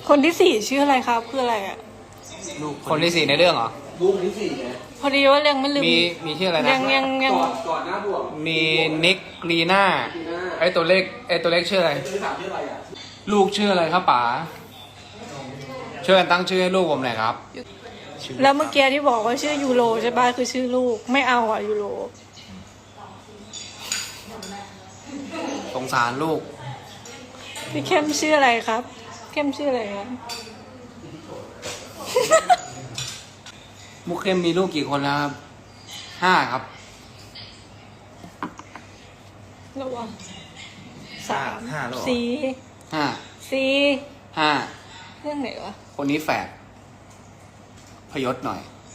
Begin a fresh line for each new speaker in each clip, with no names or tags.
คนที่สี่ชื่ออะไรครับคืออะไรอ่ะ
ลูกคนที่สี่ในเรื่องเหรอ
ลูกที่สี่ไง
พอดีว่ายังไม่ลืม
มีชื่ออะไรนะ
ยัง
ก่อนหน้าบวก
มีนิกลีน่าไอตัวเล็กชื่ออะไร
คือถามชื่ออะไรอ่ะ
ลูกชื่ออะไรครับป๋าช่วยกันตั้งชื่อให้ลูกผมหน่อยครับ
แล้วเมื่อกี้ที่บอกว่าชื่อยูโรใช่ป่ะคือชื่อลูกไม่เอาอ่ะยูโร
สงสารลูก
พี่เข้มชื่ออะไรครับเข้มชื่ออะไรครับ
มุกเข้มมีลูกกี่คนแล้วครับ5 ครับ
ระวังสาม
ห้าแล้วเหรอ
สี่
5
สี่
5
เรื่องไหนวะ
คนนี้แฝดพยศหน่อย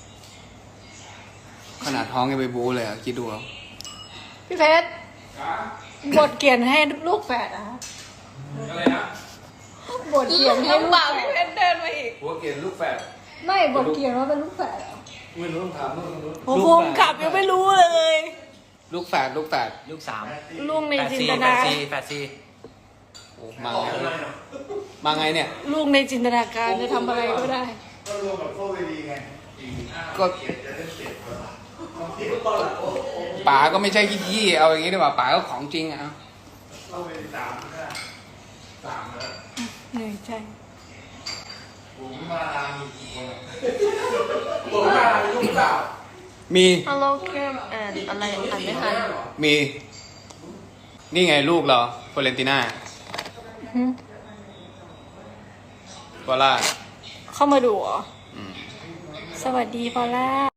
ขนาดท้องยังไปบู๊เลยอะคิดดูเอา
พี่เพชรบทเขียนให้ลูกแฝดอะ
อะไรนะ
บทเขียนให้ลูกแฝดพี่เพชรเดินมาอีก
หัวเกณฑ์ลูกแฝด
ไม่บทเขียนว่าเป็นลูกแฝดเหรอ
ไม่รู้ต้องถามนู่นนู่น
โอ้โหผมขับยังไม่รู้เลย
ลูกแฝด
ลูกสาม
ลูกในจินตนา
แปดสี่
โอ้มาไงเนี่ย
ลูกในจินตนาการจะทำอะไรก็ได้
ก็รวมกับโซ่เวทีไง
ก็ป๋าก็ไม่ใช่ขี้ๆเอาอย่างนี้ดีกว่าป๋าก็ของจริงอะเอา
โซ่เวที3นะ3แล้ว
เหนื่อยใจ
ผมมาตามมีกี่คน
ผมมาลูกสาว
มี
Hello Kim and อะไรอ่านไม่ทัน
มี นี่ไงลูกเหรอโฟเรนติน่า
หึ
วอล่า
เข้ามาดูเหรอ
อืม
สวัสดีพอลล่า